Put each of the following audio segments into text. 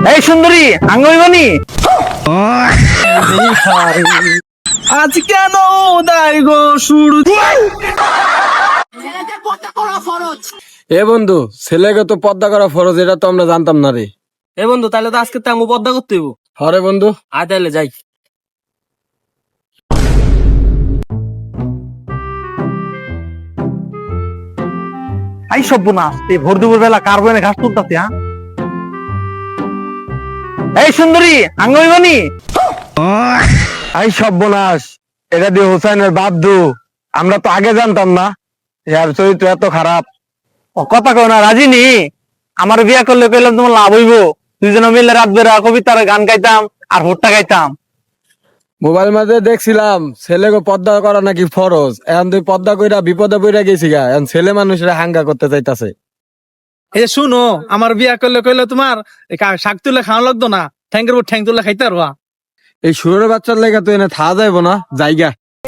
এই সুন্দরী আঙ্গইবনি আজ কেন উদয় গো সূর্য। এ বন্ধু, ছেলেকে তো পর্দা করা ফরজ, এটা তো আমরা জানতাম না রে। এ বন্ধু, তাহলে তো আজকে তেমন পদ্মা করতে হইব। হরে বন্ধু, আয় তাহলে যাই। আই সর্বনাশ, এই ভোর দুপুর বেলা কার বনে ঘাস তুলতাছে? এই সুন্দরী আঙ্গইবনি আই সর্বনাশ, এটা দিয়ে হোসেনের বাদ্দু। আমরা তো আগে জানতাম না এর চরিত্র এত খারাপ। ও কথা কও না, রাজি নি? আমার বিয়া করলে কইলাম তোমার লাভ হইব, দুইজনে মিলে রাত বেড়া কবিতার গান গাইতাম আর ভোটটা গাইতাম। মোবাইল মাঝে দেখছিলাম ছেলেকে পর্দা করা নাকি ফরজ। এখন তুই পর্দা কইরা বিপদে পড়ে গেছি গা, এখন ছেলে মানুষরা হাঙ্গা করতে চাইতাছে। এই যে শুনো, আমার বিয়া করলে কইলে তোমার শাক তুলে খাওয়া লাগতো না, ঠ্যাঙ্গের উপর ঠ্যাং তুলে খাইতে পারবা। এই সুরের বাচ্চার লেগে তুই এনে থা যাইব না, জায়গা।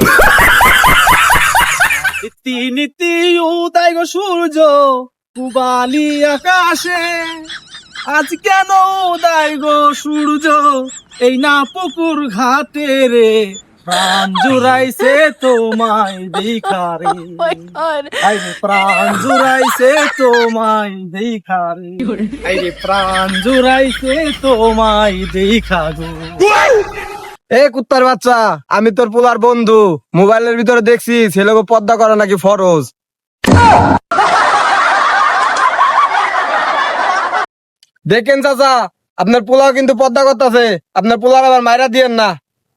নীতি নীতি উদয় গো সূর্য, পুবালি আকাশে। আজ কেন উদয় গো সূর্য, এই না পুকুর ঘাটে রে। প্রাণ জুড়াইছে তোমায় দেখারে, প্রাণ জুড়াইছে তোমায় দেখারে, প্রাণ জুড়াইছে তোমায় দেখা গো। এ কুত্তার বাচ্চা, আমি তোর পোলার বন্ধু। মোবাইলের ভিতরে দেখছি ছেলেকে পর্দা করা নাকি ফরজ। দেখেন চাচা, আপনার পোলাও কিন্তু পর্দা করতেছে। আপনার পোলার আবার মাইরা দিয়েন না।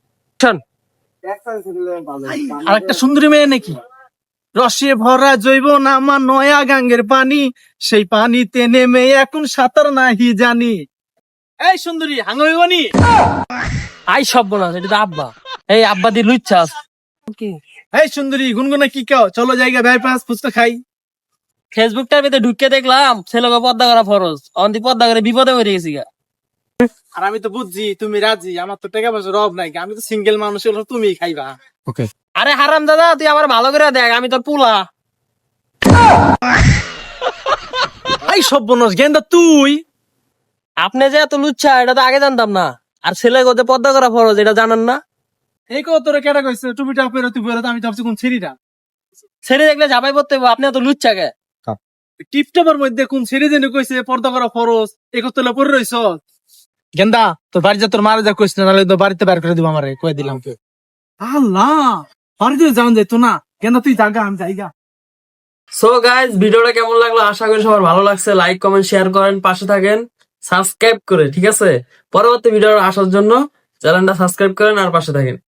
আর একটা সুন্দরী মেয়ে নাকি, রসে ভরা জৈব নামা নয়া গাঙ্গের পানি, সেই পানিতে নেমে এখন সাঁতার নাহি জানি। এই সুন্দরী হাঙ্গনি আই সর্বনাশ, এটা তো আব্বা। এই আব্বা দিয়ে লুচ্ছাস। এই সুন্দরী গুনগুনা কি কেউ, চলো জায়গা বাইপাস ফুচকা খাই। ফেসবুকটার ভিতরে ঢুকে দেখলাম ছেলেকে পর্দা করা ফরজ, অন্তি পর্দা করে বিপদে পড়ে গেছি গা। আর আমি তো বুঝছি তুমি রাজি, আমার তো টাকা পয়সার অভাব নাই, আমি তো সিঙ্গেল মানুষ, হলো তুমি খাইবা। ওকে। আরে হারাম দাদা, তুই আমার ভালো করে দেখ, আমি তোর পুলা। এই সর্বনাশ গেন্দা তুই। আপনি যে এত লুচ্ছা এটা তো আগে জানতাম না। আর ছেলেকে যে পর্দা করা ফরজ এটা জানান না। এই কত তোরে কেটা কইছে টুপিটা পরে তুই পরে, আমি তো ভাবছি কোন ছেড়িটা। ছেড়ে দেখলে ঝাপাই পড়তে হইব, আপনি এত লুচ্ছা কে? টিপটপের মধ্যে কোন ছেড়ে যেন কইছে পর্দা করা ফরজ, এই কত পরে রইছ। গেন্দা তোর বাড়ি যা, তোর মারা যা কইস না, নাহলে তো বাড়িতে বের করে দিব আমারে, কই দিলাম। আল্লাহ, বাড়িতে যাওয়া যাইতো না। গেন্দা তুই জাগা, আমি যাইগা। সো গাইজ, ভিডিওটা কেমন লাগলো আশা করি সবার ভালো লাগছে। লাইক কমেন্ট শেয়ার করেন, পাশে থাকেন সাবস্ক্রাইব করে, ঠিক আছে? পরবর্তী ভিডিও আসার জন্য চ্যানেলটা সাবস্ক্রাইব করেন আর পাশে থাকেন।